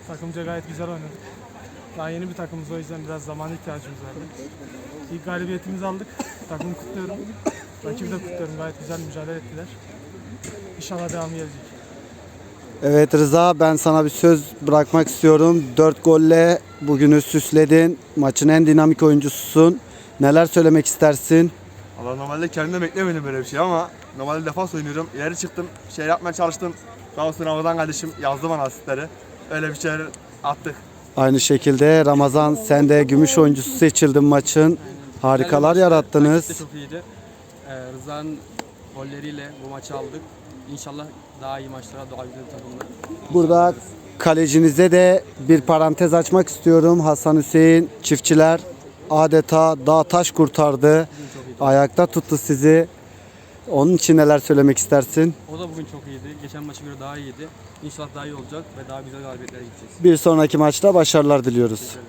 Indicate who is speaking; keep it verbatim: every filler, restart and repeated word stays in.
Speaker 1: Takımca gayet güzel oynadık. Daha yeni bir takımız, o yüzden biraz zamana ihtiyacımız vardı. İlk galibiyetimizi aldık. Takımı kutluyorum. Rakibi de kutluyorum. Gayet güzel mücadele ettiler. İnşallah devamı gelecek.
Speaker 2: Evet Rıza, ben sana bir söz bırakmak istiyorum. dört golle bugünü süsledin. Maçın en dinamik oyuncususun. Neler söylemek istersin?
Speaker 3: Allah, normalde kendimde beklemedim böyle bir şey ama normalde defans oynuyorum. İleri çıktım, şey yapmaya çalıştım. Sağ olsun Ramazan kardeşim yazdı bana asistleri. Öyle bir şeyler attık.
Speaker 2: Aynı şekilde Ramazan, sen de gümüş oyuncusu seçildin maçın. Harikalar yarattınız.
Speaker 4: Rakip de çok iyiydi. Ee, Rıza'nın golleriyle bu maçı aldık. İnşallah daha iyi maçlara, daha güzel takımlar.
Speaker 2: Burada kalecinize de bir parantez açmak istiyorum. Hasan Hüseyin çiftçiler adeta dağ taş kurtardı. Ayakta tuttu sizi. Onun için neler söylemek istersin?
Speaker 4: O da bugün çok iyiydi. Geçen maça göre daha iyiydi. İnşallah daha iyi olacak ve daha güzel galibiyetlere gideceğiz.
Speaker 2: Bir sonraki maçta başarılar diliyoruz.